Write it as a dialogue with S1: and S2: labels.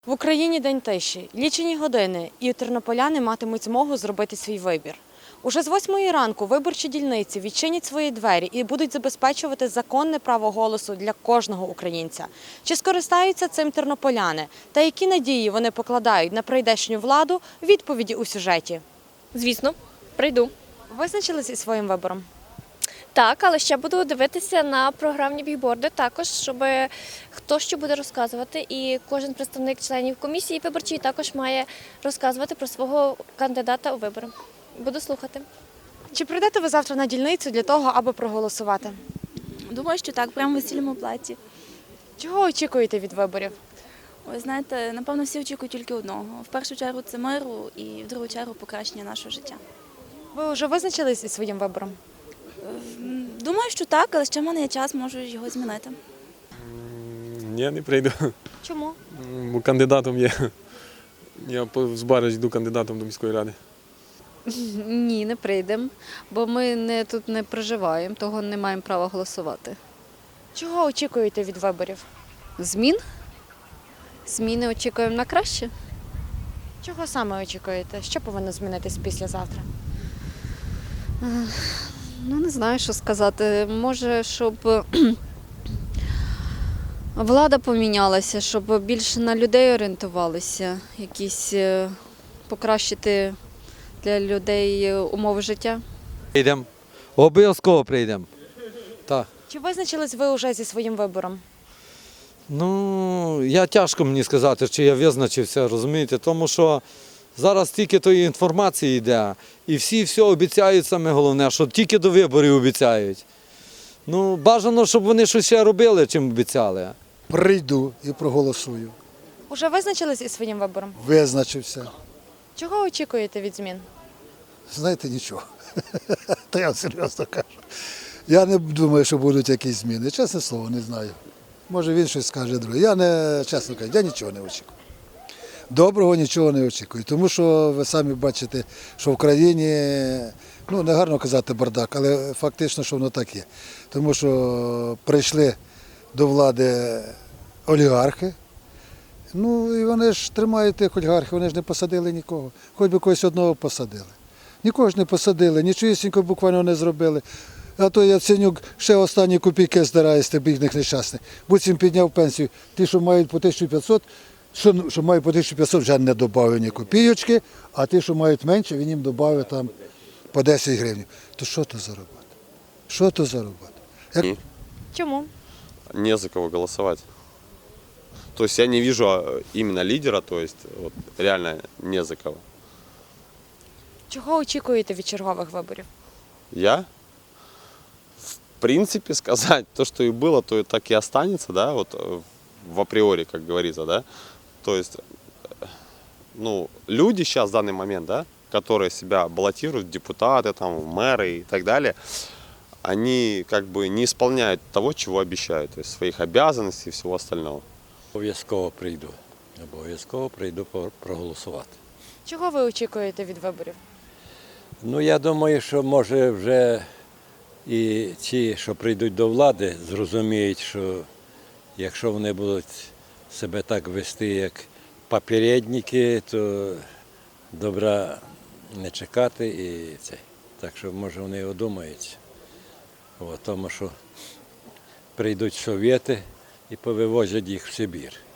S1: В Україні день тиші, лічені години, і тернополяни матимуть змогу зробити свій вибір. Уже з 8 ранку виборчі дільниці відчинять свої двері і будуть забезпечувати законне право голосу для кожного українця. Чи скористаються цим тернополяни? Та які надії вони покладають на прийдешню владу? Відповіді у сюжеті.
S2: Звісно, прийду.
S1: Визначились із своїм вибором?
S2: Так, але ще буду дивитися на програмні бігборди також, щоб хто що буде розказувати. І кожен представник членів комісії виборчої також має розказувати про свого кандидата у вибори. Буду слухати.
S1: Чи прийдете ви завтра на дільницю для того, аби проголосувати?
S3: Думаю, що так, прямо в весільному платі.
S1: Чого очікуєте від виборів?
S3: Ви знаєте, напевно, всі очікують тільки одного. В першу чергу це миру і в другу чергу покращення нашого життя.
S1: Ви вже визначились із своїм вибором?
S3: Думаю, що так, але ще в мене є час, можу його змінити.
S4: Ні, не прийду.
S1: Чому?
S4: Бо кандидатом є. Я з Барич йду кандидатом до міської ради.
S5: Ні, не прийдемо, бо ми тут не проживаємо, того не маємо права голосувати.
S1: Чого очікуєте від виборів?
S5: Змін? Зміни очікуємо на краще.
S1: Чого саме очікуєте? Що повинно змінитись післязавтра?
S5: Ну, не знаю, що сказати. Може, щоб влада помінялася, щоб більше на людей орієнтувалися, якісь покращити для людей умови життя.
S6: Прийдемо, обов'язково прийдемо. Так.
S1: Чи визначились ви вже зі своїм вибором?
S6: Я тяжко мені сказати, чи я визначився, розумієте, тому що зараз тільки тої інформації йде, і всі все обіцяють, саме головне, що тільки до виборів обіцяють. Бажано, щоб вони щось ще робили, чим обіцяли.
S7: Прийду і проголосую.
S1: Уже визначились із своїм вибором?
S7: Визначився.
S1: Чого очікуєте від змін?
S7: Знаєте, нічого. Та я серйозно кажу. Я не думаю, що будуть якісь зміни. Чесне слово, не знаю. Може він щось скаже друге. Я не, чесно кажу, я нічого не очікую. Доброго нічого не очікую. Тому що ви самі бачите, що в країні, не гарно казати бардак, але фактично, що воно так є. Тому що прийшли до влади олігархи, і вони ж тримають тих олігархів, вони ж не посадили нікого. Хоч би когось одного посадили. Нікого ж не посадили, нічогісінько буквально не зробили. А то Яценюк ще останні копійки здирає з тих бідних нещасних. Буцім підняв пенсію. Ті, що мають по 1500, що мають по 1500, вже не додав ні копійочки, а ті, що мають менше, він їм додав там по 10 гривень. То що то за робота? Що то за робота?
S1: Чому?
S8: Не за кого голосовать. То есть я не вижу именно лидера, то есть вот, реально не за кого.
S1: Чого очікуєте від чергових виборів?
S8: Я, в принципе, сказать то, что и было, то и так и останется, да, вот в априори, как говорится, да. То есть, люди сейчас в данный момент, да, которые себя баллотируют в депутаты, там, в мэры и так далее, они как бы не исполняют того, чего обещают, то есть своих обязанностей и всего остального.
S9: Обов'язково прийду проголосувати.
S1: Чого ви очікуєте від виборів?
S9: Я думаю, що може вже і ті, що прийдуть до влади, зрозуміють, що якщо вони будуть себе так вести, як попередники, то добра не чекати і це. Так що, може, вони одумаються. Тому що прийдуть совєти і повивозять їх в Сибір.